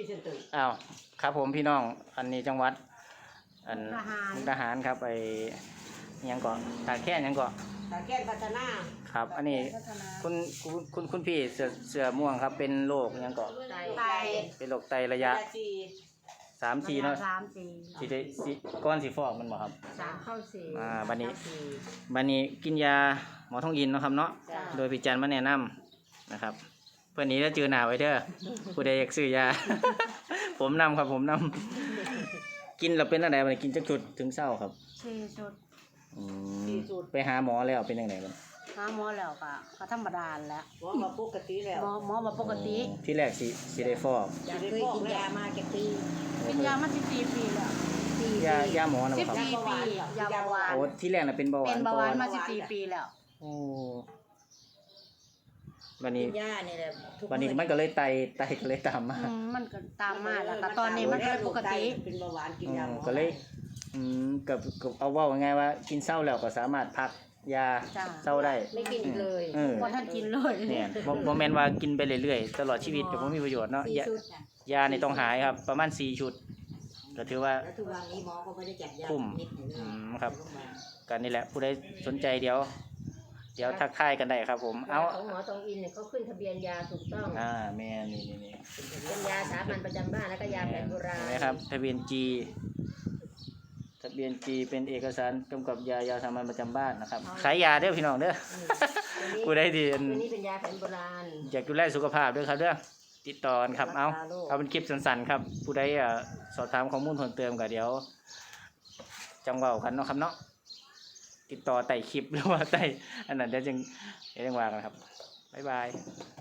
เซนเตอร์อ้าวครับผมพี่น้องอันนี้จังหวัดอันมุกดาหารครับไปยังเกาะตาแค่ยังเกาะตาแก้นพัฒนาครับอันนี้คุณพี่เสื้อม่วงครับเป็นโรคยังเกาะไตเป็นโรคไตระยะ3-4เนาะสิได้สิก้อนสิฟอกมันบ่ครับบัดนี้กินยาหมอทองอินเนาะครับเนาะโดยพี่จันมาแนะนำนะครับเพื่อนนี้จะเจอหน้าไว้เด้อผู้ใดอยากซื้อยา ผมนำครับผมนำกินแล้วเป็นอะไรมันกินจักจุดถึงเศร้าครับ 4 ชุดไปหาหมอแล้วเป็นยังไงบ้างหาหมอแล้วก็ธรรมดาแล้วหมอมาปกติแล้วหมอมาปกติที่แรกสิได้ฟอกเคยกินยามากี่ปีกินยามา14 ปีแล้วยาหมอนะครับ14 ปียาเบาหวานโอ้ที่แรกน่ะเป็นเบาหวานเป็นเบาหวานมา14 ปีแล้วโอ้วันนี้ยานี่แหละวันนี้มันก็เลยไตก็เลยตามมามันก็ตามมาแล้วแต่ตอนนี้มันก็ปกติเป็นเบาหวานกินยาก็เลยกับเอาว่าไงว่ากินเศร้าแล้วก็สามารถพักยาเศร้าได้ไม่กินอีกเลยบ่ทันกินเลยเนี่ยบ่แม่นว่ากินไปเรื่อยๆตลอดชีวิตก็บ่มีประโยชน์เนาะยานี่ต้องหายครับประมาณ4 ชุดก็ถือว่าทุกวันนี้หมอก็ไม่ได้จัดยาคุ้มครับกันนี่แหละผู้ใดสนใจเดี๋ยวทักทายกันได้ครับผมเอาของหมอทองอินเนี่ยเขาขึ้นทะเบียนยาถูกต้องแม่นี่เป็นยาสามัญประจำบ้านแล้วก็ยาแผนโบราณนะครับทะเบียน G เป็นเอกสารกำกับยาสามัญประจำบ้านนะครับขายยาเด้อพี่น้องเด้อผู้ใดที่นี่เป็นยาแผนโบราณอยากดูแลสุขภาพด้วยครับเด้อติดต่อครับเอาเป็นคลิปสั้นๆครับผู้ใดสอบถามข้อมูลเพิ่มเติมก็เดี๋ยวจังเว้ากันเนาะครับเนาะติดต่อใต้คลิปหรือว่าใต้อันนั้นเดี๋ยวจึงว่ากันครับบ๊ายบาย